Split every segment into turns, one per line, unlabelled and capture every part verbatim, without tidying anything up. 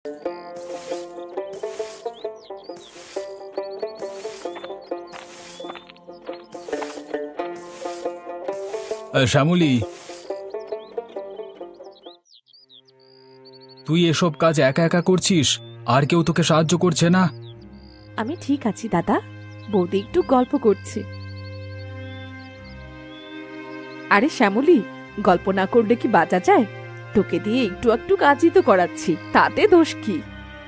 শ্যামলী, তুই এসব কাজ একা একা করছিস? আর কেউ তোকে সাহায্য করছে না?
আমি ঠিক আছি দাদা, বৌদি একটু গল্প করছে। আরে শ্যামলী, গল্প না করলে কি বাঁচা যায়? তোকে দিয়ে একটু একটু কাজই তো করাচ্ছি, তাতে দোষ কি?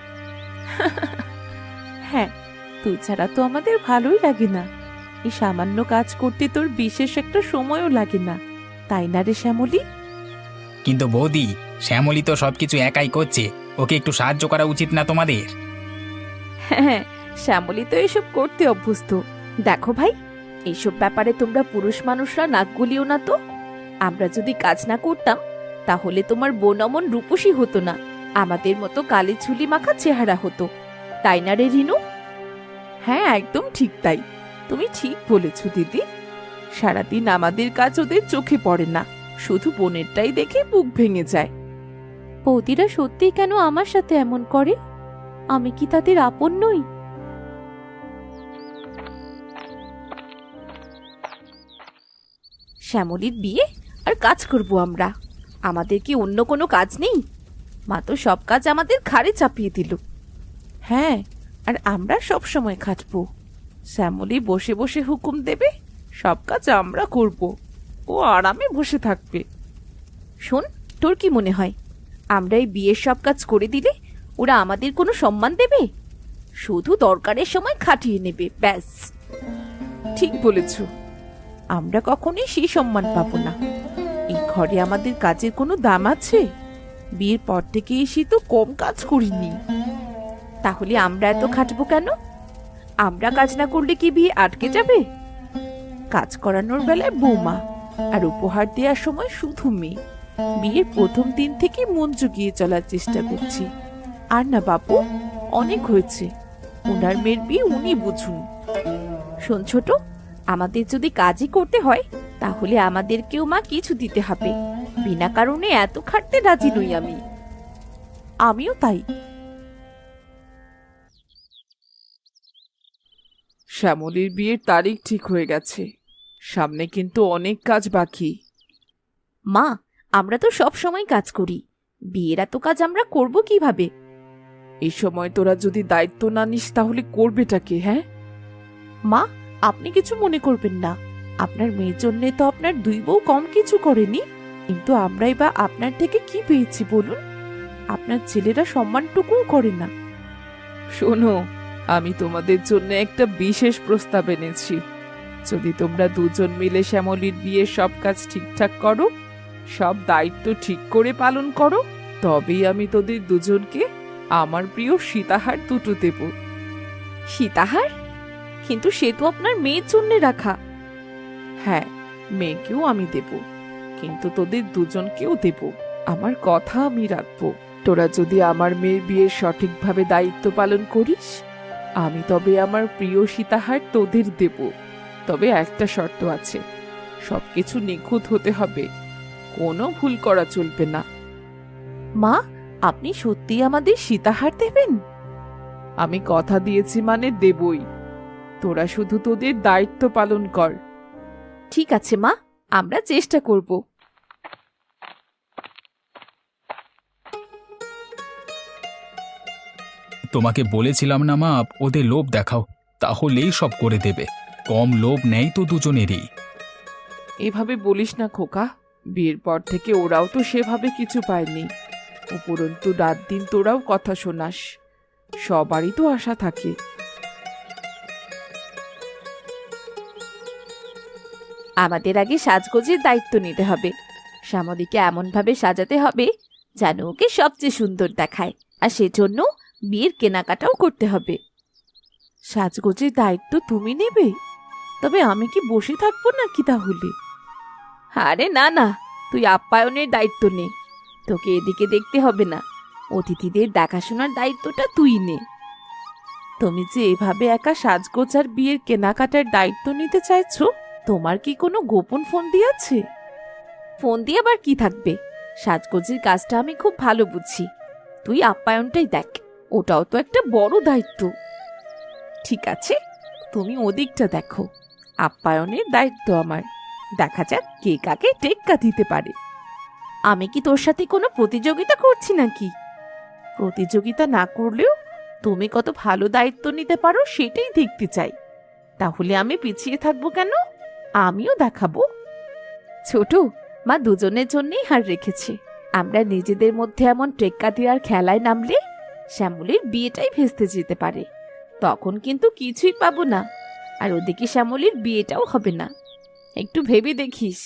হ্যাঁ, তুই ছাড়া তো আমাদের ভালোই লাগে না। এই সামান্য কাজ করতে তোর বিশেষ একটা সময়ও লাগে না, তাই না রে শ্যামলী?
কিন্তু বৌদি, শ্যামলী তো সবকিছু একাই করছে, ওকে একটু সাহায্য করা উচিত না তোমাদের?
হ্যাঁ, শ্যামলী তো এসব করতে অভ্যস্ত। দেখো ভাই, এইসব ব্যাপারে তোমরা পুরুষ মানুষরা নাক গলিও না তো। আমরা যদি কাজ না করতাম তাহলে তোমার বোন অমন রূপসী হতো না, আমাদের মতো কালি ঝুলি মাখা চেহারা হতো, তাই না রে রিনু? হ্যাঁ, একদম ঠিক তাই। তুমি ঠিক বলেছ দিদি। সারাদিন আমাদের কাজ ওদের চোখে পড়ে না, শুধু বোনেরটাই দেখে বুক ভেঙে যায়। বৌদিরা সত্যি কেন আমার সাথে এমন করে? আমি কি তাদের আপন নই? শ্যামলীর বিয়ে আর কাজ করব আমরা? আমাদের কি অন্য কোনো কাজ নেই? মা তো সব কাজ আমাদের ঘাড়ে চাপিয়ে দিল। হ্যাঁ, আর আমরা সব সময় খাটবো। শ্যামলী বসে বসে হুকুম দেবে, সব কাজ আমরা করব, ও আরামে বসে থাকবে। শোন, তোর কি মনে হয় আমরা এই বিয়ের সব কাজ করে দিলে ওরা আমাদের কোনো সম্মান দেবে? শুধু দরকারের সময় খাটিয়ে নেবে, ব্যাস। ঠিক বলেছ, আমরা কখনোই সেই সম্মান পাবো না। এই ঘরে আমাদের কাজের কোনো দাম আছে? বিয়ের পর থেকে এসে তো কম কাজ করিনি। তাহলে আমরা এত খাটবো কেন? আমরা কাজ না করলে কি বিয়ে আটকে যাবে? কাজ করানোর বেলায় বৌমা, আর উপহার দেওয়ার সময় শুধু মেয়ে। বিয়ের প্রথম দিন থেকে মন জুগিয়ে চলার চেষ্টা করছি। আর না বাবু, অনেক হয়েছে। ওনার মেয়ের বিয়ে উনি বুঝুন। শোন ছোট, আমাদের যদি কাজই করতে হয় তাহলে আমাদেরকেও মা কিছু দিতে হবে। বিনা কারণে এত খাটতে রাজি নই আমি। আমিও তাই।
শ্যামলীর বিয়ের তারিখ ঠিক হয়ে গেছে, সামনে কিন্তু অনেক কাজ বাকি।
মা, আমরা তো সব সময় কাজ করি, বিয়ের এত কাজ আমরা করব কিভাবে?
এই সময় তোরা যদি দায়িত্ব না নিস তাহলে করবেটা কে? হ্যাঁ
মা, আপনি কিছু মনে করবেন না। আপনার মেয়ের জন্য তো আপনার দুই বউ কম কিছু করেনি, কিন্তু আমরাই বা আপনার থেকে কি পেয়েছি বলুন? আপনার ছেলেরা সম্মানটুকুও করে না।
শোনো, আমি তোমাদের জন্য একটা বিশেষ প্রস্তাব এনেছি। যদি তোমরা দুজন মিলে শ্যামলীর বিয়ের সব কাজ ঠিকঠাক করো, সব দায়িত্ব ঠিক করে পালন করো, তবেই আমি তোদের দুজনকে আমার প্রিয় সীতাহার দুটো দেব।
সীতাহার? কিন্তু সে তো আপনার মেয়ের জন্য রাখা।
হ্যাঁ, মেয়েকেও আমি দেব, কিন্তু তোদের দুজনকেও দেব। আমার কথা আমি রাখবো। তোরা যদি আমার মেয়ের বিয়ের সঠিকভাবে দায়িত্ব পালন করিস, আমি তবে আমার প্রিয় সীতাহার তোদের দেব। তবে একটা শর্ত আছে, সবকিছু নিখুঁত হতে হবে, কোনো ভুল করা চলবে না।
মা, আপনি সত্যি আমাদের সীতাহার দেবেন?
আমি কথা দিয়েছি মানে দেবই। তোরা শুধু তোদের দায়িত্ব পালন কর।
ঠিক আছে মা, আমরা চেষ্টা করব।
তোমাকে বলেছিলাম না মা, ওদের লোভ দেখাও, তাহলেই সব করে দেবে। কম লোভ নেই তো দুজনেরই।
এভাবে বলিস না খোকা, বিয়ের পর থেকে ওরাও তো সেভাবে কিছু পায়নি। উপরন্তু রাত দিন তোরাও কথা শোনাস, সবারই তো আশা থাকে।
আমাদের আগে সাজগোজের দায়িত্ব নিতে হবে। শ্যামলীকে এমন ভাবে সাজাতে হবে যেন ওকে সবচেয়ে সুন্দর দেখায়, আর সেজন্য বিয়ের কেনাকাটাও করতে হবে। সাজগোজের দায়িত্ব তুমি নেবে? তবে আমি কি বসে থাকবো নাকি তাহলে? আরে না না, তুই আপ্যায়নের দায়িত্ব নে। তোকে এদিকে দেখতে হবে না, অতিথিদের দেখাশোনার দায়িত্বটা তুই নে। তুমি যে এভাবে একা সাজগোজ আর বিয়ের কেনাকাটার দায়িত্ব নিতে চাইছো, তোমার কি কোনো গোপন ফোন দিয়েছে? ফোন দিয়ে আবার কি থাকবে? সাজগোজের কাজটা আমি খুব ভালো বুঝি, তুই আপ্যায়নটাই দেখ, ওটাও তো একটা বড় দায়িত্ব।
ঠিক আছে, তুমি ওদিকটা দেখো, আপ্যায়নের দায়িত্ব আমার। দেখা যাক কে কাকে টেক্কা দিতে পারে।
আমি কি তোর সাথে কোনো প্রতিযোগিতা করছি নাকি?
প্রতিযোগিতা না করলেও তুমি কত ভালো দায়িত্ব নিতে পারো সেটাই দেখতে চাই। তাহলে আমি পিছিয়ে থাকবো কেন? আমিও দেখাবো।
ছোট, মা দুজনের জন্যই হার রেখেছে। আমরা নিজেদের মধ্যে এমন টেক্কা দেওয়ার খেলায় নামলে শ্যামলীর বিয়েটাই ভেস্তে যেতে পারে। তখন কিন্তু কিছুই পাবো না, আর ওদিকে শ্যামলীর বিয়েটাও হবে না। একটু ভেবে দেখিস।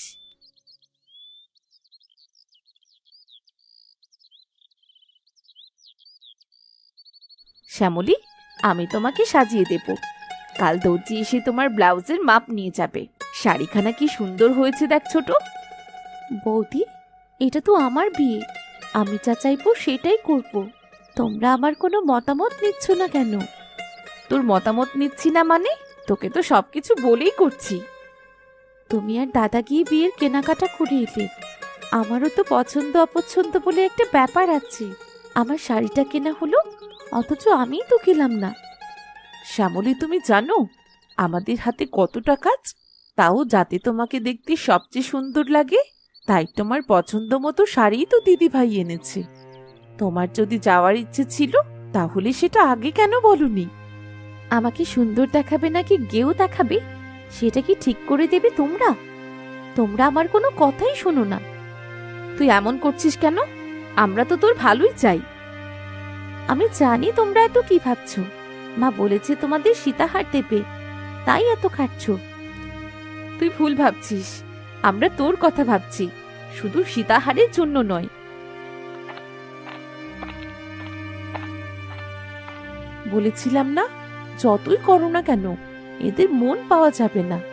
শ্যামলী, আমি তোমাকে সাজিয়ে দেব। কাল দর্জি এসে তোমার ব্লাউজের মাপ নিয়ে যাবে। শাড়িখানা কি সুন্দর হয়েছে দেখ ছোট। বৌদি, এটা তো আমার বিয়ে, আমি যা চাইবো সেটাই করব। তোমরা আমার কোনো মতামত নিচ্ছ না কেন? তোর মতামত নিচ্ছি না মানে? তোকে তো সবকিছু বলেই করছি। তুমি আর দাদা গিয়ে বিয়ের কেনাকাটা করে এলে। আমারও তো পছন্দ অপছন্দ বলে একটা ব্যাপার আছে। আমার শাড়িটা কেনা হলো, অথচ আমিই তো কিনলাম না।
শ্যামলী, তুমি জানো আমাদের হাতে কতটা কাজ? তাও যাতে তোমাকে দেখতে সবচেয়ে সুন্দর লাগে তাই তোমার পছন্দ মতো শাড়িই তো দিদি ভাই এনেছে। তোমার যদি যাওয়ার ইচ্ছে ছিল তাহলে সেটা আগে কেন বলনি?
আমাকে সুন্দর দেখাবে নাকি গেও দেখাবে সেটা কি ঠিক করে দেবে তোমরা? তোমরা আমার কোনো কথাই শোনো না। তুই এমন করছিস কেন? আমরা তো তোর ভালোই চাই। আমি জানি তোমরা এত কি ভাবছো। মা বলেছে তোমাদের সীতাহার দেবে, তাই এত খাচ্ছ। তুই ভুল ভাবছিস, আমরা তোর কথা ভাবছি, শুধু সীতাহারের জন্য নয়।
বলেছিলাম না, যতই করো না কেন এদের মন পাওয়া যাবে না।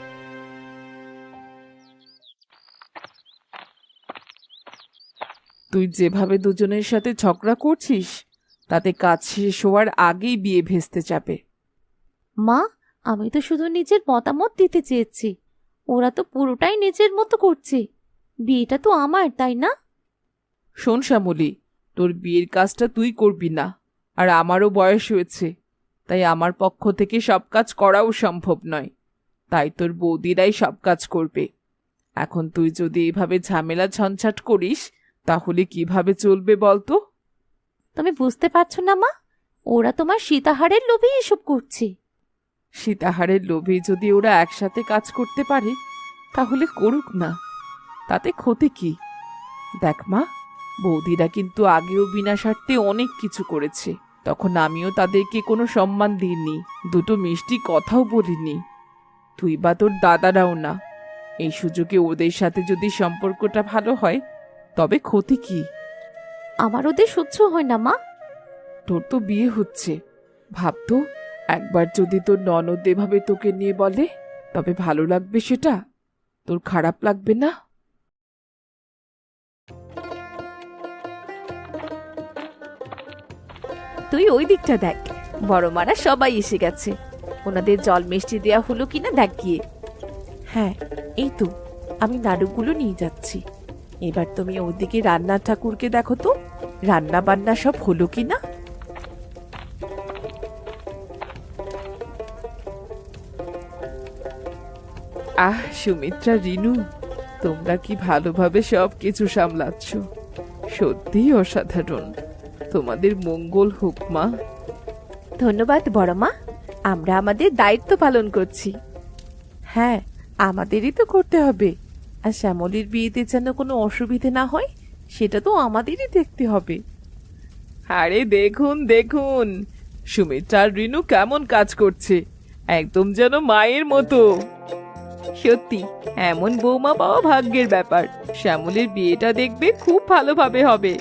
তুই যেভাবে দুজনের সাথে ঝগড়া করছিস তাতে কাজ শেষ হওয়ার আগেই বিয়ে ভেস্তে যাবে।
মা, আমি তো শুধু নিজের মতামত দিতে চেয়েছি, ওরা তো পুরোটাই নিজের মতো করছে। বিয়েটা তো আমার, তাই না?
শোন শ্যামলী, তোর বিয়ের কাজটা তুই করবি না, আর আমারও বয়স হয়েছে, তাই আমার পক্ষ থেকে সব কাজ করাও সম্ভব নয়। তাই তোর বৌদিরাই সব কাজ করবে। এখন তুই যদি এভাবে ঝামেলা ঝঞ্ঝাট করিস তাহলে কিভাবে চলবে বলতো?
তুমি বুঝতে পারছো না মা, ওরা তোমার সীতাহারের লোভে এসব করছে।
সীতাহারের লোভে যদি ওরা একসাথে কাজ করতে পারে তাহলে করুক না, তাতে ক্ষতি কি? দেখ মা, বৌদিরা কিন্তু আগেও বিনা স্বার্থে অনেক কিছু করেছে, তখন আমিও তাদেরকে কোনো সম্মান দিইনি, দুটো মিষ্টি কথাও বলিনি। তুই বা তোর দাদারাও না। এই সুযোগে ওদের সাথে যদি সম্পর্কটা ভালো হয় তবে ক্ষতি কি?
আমার ওদের সহ্য হয় না মা।
তোর তো বিয়ে হচ্ছে, ভাবতো একবার যদি তোর ননদ এভাবে তোকে নিয়ে বলে তবে ভালো লাগবে সেটা? তোর খারাপ লাগবে না?
তুই ওই দিকটা দেখ, বড় মারা সবাই এসে গেছে। ওনাদের জল মিষ্টি দেয়া হলো কিনা দেখ গিয়ে।
হ্যাঁ, এই তো আমি নাড়ুগুলো নিয়ে যাচ্ছি। এবার তুমি ওদিকে রান্না ঠাকুরকে দেখো তো, রান্না বান্না সব হলো কিনা। আহ সুমিত্রা, রিনু, তোমরা কি ভালোভাবে সব কিছু সামলাচ্ছ, সত্যিই অসাধারণ। তোমাদের মঙ্গল হোক মা।
ধন্যবাদ বড় মা, আমরা আমাদের দায়িত্ব পালন করছি।
হ্যাঁ, আমাদেরই তো করতে হবে। আর শ্যামলীর বিয়েতে যেন কোনো অসুবিধে না হয় সেটা তো আমাদেরই দেখতে হবে। আরে দেখুন দেখুন, সুমিত্রা আর রিনু কেমন কাজ করছে, একদম যেন মায়ের মতো। সত্যি এমন বৌমা পাওয়া ভাগ্যের ব্যাপার। শ্যামলীর বিয়েটা দেখবে খুব ভালোভাবে হবে।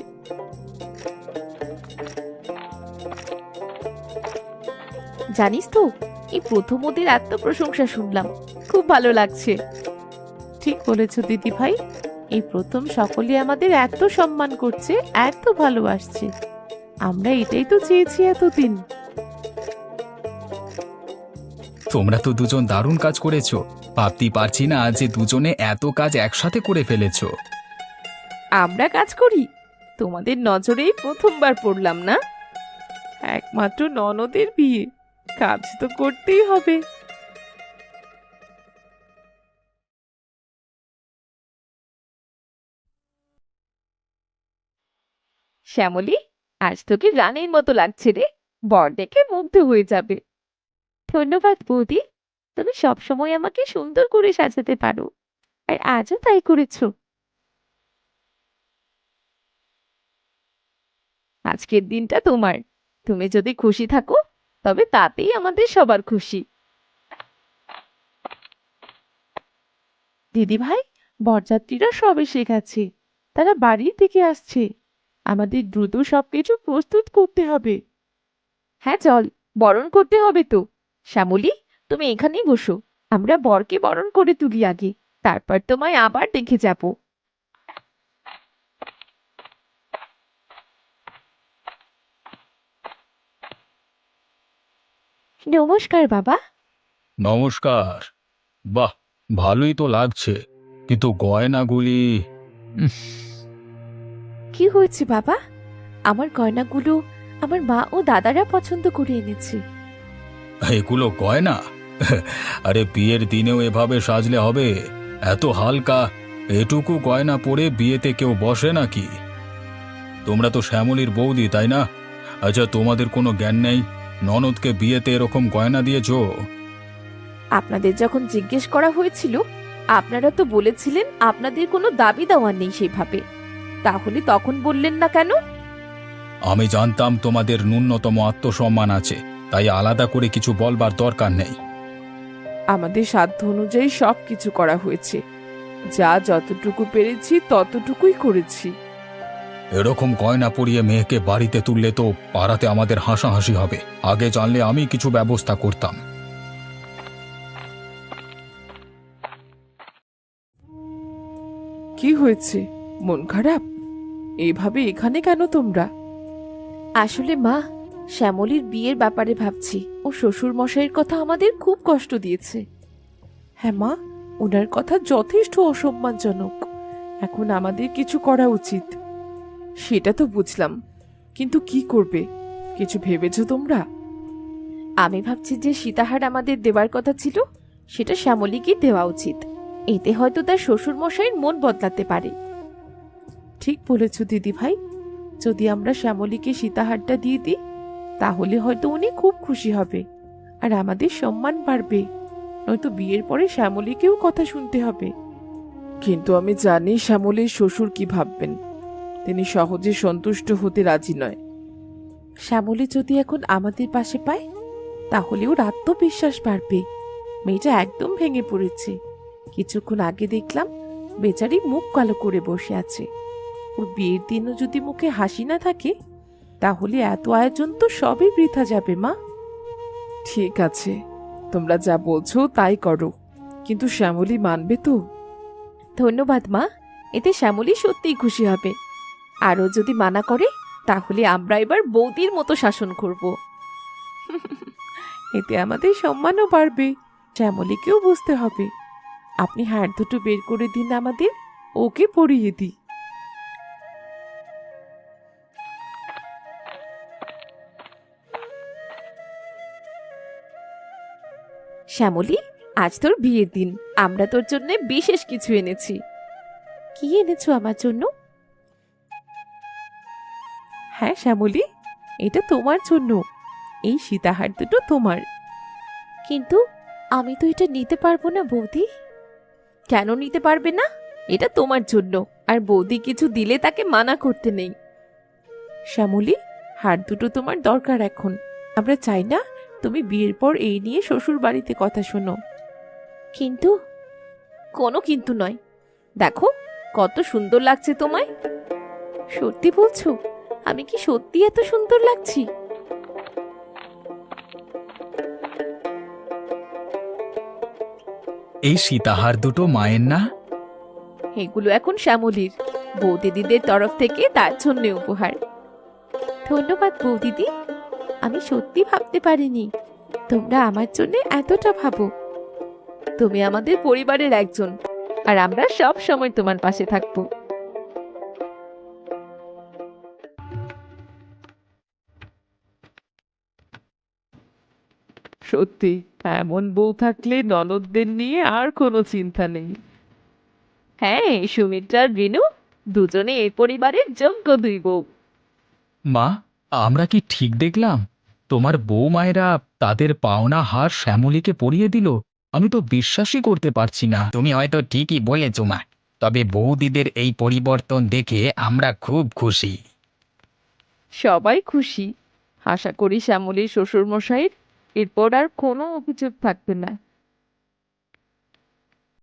জানিস তো, এই প্রথম ওদের এত প্রশংসা শুনলাম, খুব ভালো লাগছে।
ঠিক বলেছ দিদি ভাই, এই প্রথম সকলে আমাদের এত সম্মান করছে, এত ভালোবাসছে। আমরা এটাই তো চেয়েছি এতদিন।
তোমরা তো দুজন দারুণ কাজ করেছো। ভাবতেই পারছি না যে দুজনে এত কাজ একসাথে করে ফেলেছো।
আমরা কাজ করি? তোমাদের নজরেই প্রথমবার পড়লাম না।
একমাত্র ননদের বিয়ে, কাজ তো করতেই হবে।
শ্যামলী, আজ তোকে রানীর মতো লাগছে রে, বর দেখে মুগ্ধ হয়ে যাবে। ধন্যবাদ বৌদি, তুমি সবসময় আমাকে সুন্দর করে সাজাতে পারো, আর আজও তাই করেছো। আজকের দিনটা তোমার, তুমি যদি খুশি থাকো তবে তাতেই আমাদের সবার খুশি।
দিদি ভাই, বরযাত্রীরা সব এসে গেছে, তারা বাড়ির থেকে আসছে। আমাদের দ্রুত সবকিছু প্রস্তুত করতে হবে।
হ্যাঁ চল, বরণ করতে হবে তো। শ্যামলী, তুমি এখানেই বসো, আমরা বরকে বরণ করে তুলি আগে, তারপর তোমায় আবার দেখে যাব। নমস্কার বাবা।
নমস্কার। বাহ, ভালোই তো লাগছে, কিন্তু গয়নাগুলি। উম,
কি হয়েছে বাবা? আমার গয়নাগুলো আমার মা ও দাদারা পছন্দ করে এনেছে।
এগুলো গয়না? আরে বিয়ের দিনেও এভাবে সাজলে হবে? এত হালকা, এটুকু গয়না পরে বিয়েতে কেউ বসে নাকি? তোমরা তো শ্যামলীর বৌদি, তাই না? আচ্ছা, তোমাদের কোনো জ্ঞান নেই? ননদকে বিয়েতে এরকম গয়না দিয়েছো?
আপনাদের যখন জিজ্ঞেস করা হয়েছিল, আপনারা তো বলেছিলেন আপনাদের কোনো দাবি দেওয়া নেই সেভাবে, তাহলে তখন বললেন না কেন?
আমি জানতাম তোমাদের ন্যূনতম আত্মসম্মান আছে, তাই আলাদা করে কিছু বলবার দরকার নেই।
আমাদের সাধ্য অনুযায়ী সব কিছু করা হয়েছে, যা যতটুকু পেরেছি ততটুকুই করেছি।
এরকম গয়না পরিয়ে মেয়েকে বাড়িতে তুললে তো পাড়াতে আমাদের হাসাহাসি হবে। আগে জানলে আমি কিছু ব্যবস্থা করতাম।
কি হয়েছে, মন খারাপ? এইভাবে এখানে কেন তোমরা?
আসলে মা, শ্যামলীর বিয়ের ব্যাপারে ভাবছি, ও শ্বশুর মশাইয়ের কথা আমাদের খুব কষ্ট দিয়েছে।
হ্যাঁ মা, ওনার কথা যথেষ্ট অসম্মানজনক। এখন আমাদের কিছু করা উচিত। সেটা তো বুঝলাম, কিন্তু কি করবে কিছু ভেবেছো তোমরা?
আমি ভাবছি যে সীতাহার আমাদের দেওয়ার কথা ছিল, সেটা শ্যামলীকে দেওয়া উচিত। এতে হয়তো তার শ্বশুর মশাইয়ের মন বদলাতে পারে।
ঠিক বলেছ দিদি ভাই, যদি আমরা শ্যামলীকে সীতাহারটা দিয়ে দিই তাহলে হয়তো উনি খুব খুশি হবে, আর আমাদের সম্মান বাড়বে। নয়তো বিয়ের পরে শ্যামলীকেও কথা শুনতে হবে। কিন্তু আমি জানি শ্যামলীর শ্বশুর কি ভাববেন, তিনি সহজে সন্তুষ্ট হতে রাজি নয়। শ্যামলী যদি এখন আমাদের পাশে পায় তাহলে ওর আত্মবিশ্বাস বাড়বে। মেয়েটা একদম ভেঙে পড়েছে, কিছুক্ষণ আগে দেখলাম বেচারি মুখ কালো করে বসে আছে। ওর বিয়ের দিনও যদি মুখে হাসি না থাকে তাহলে এত আয়োজন তো সবই বৃথা যাবে মা। ঠিক আছে, তোমরা যা বলছো তাই করো, কিন্তু শ্যামলী মানবে তো?
ধন্যবাদ মা, এতে শ্যামলী সত্যিই খুশি হবে। আরও যদি মানা করে তাহলে আমরা এবার বৌদির মতো শাসন করব।
এতে আমাদের সম্মানও বাড়বে, শ্যামলীকেও বুঝতে হবে। আপনি হাড় দুটো বের করে দিন আমাদের, ওকে পরিয়ে দিই।
শ্যামলী, আজ তোর বিয়ের দিন, আমরা তোর জন্য বিশেষ কিছু এনেছি। কি এনেছো আমার জন্য?
হ্যাঁ শ্যামলী, এটা তোমার জন্য। এই সীতাহার দুটো তোমার।
কিন্তু আমি তো এটা নিতে পারবো না বৌদি। কেন নিতে পারবে না? এটা তোমার জন্য, আর বৌদি কিছু দিলে তাকে মানা করতে নেই।
শ্যামলী, হার দুটো তোমার দরকার এখন। আমরা চাই না তুমি বিয়ের পর এই নিয়ে শ্বশুর বাড়িতে কথা শোনো।
কিন্তু কোনো কিন্তু নয়, দেখো কত সুন্দর লাগছে তোমায়। সত্যি বলছো? আমি কি সত্যি এত সুন্দর লাগছি?
এই সীতাহার দুটো মায়ের না?
এগুলো এখন শ্যামলীর, বৌদিদিদের তরফ থেকে তার জন্য উপহার। ধন্যবাদ বৌদিদি, আমি সত্যি ভাবতে পারিনি তোমরা আমার জন্য এতটা ভাবো। তুমি আমাদের পরিবারের একজন, আর আমরা সব সময় তোমার পাশে থাকবো।
সত্যি এমন বউ থাকলে ননদদের নিয়ে আর কোনো চিন্তা নেই।
হ্যাঁ, সুমিত্রা আর রিনু দুজনে এই পরিবারের যোগ্য দুই বউ।
মা, আমরা কি ঠিক দেখলাম? তোমার বৌমায়েরা তাদের পাওনা হার শ্যামলীকে পরিয়ে দিল? আমি তো বিশ্বাসই করতে পারছি না।
তুমি হয়তো ঠিকই বলেছ মা, তবে বৌদিদের এই পরিবর্তন দেখে আমরা খুব খুশি।
সবাই খুশি। আশা করি শ্যামলীর শ্বশুরমশাইয়ের এরপর আর কোনো অভিযোগ থাকবে না।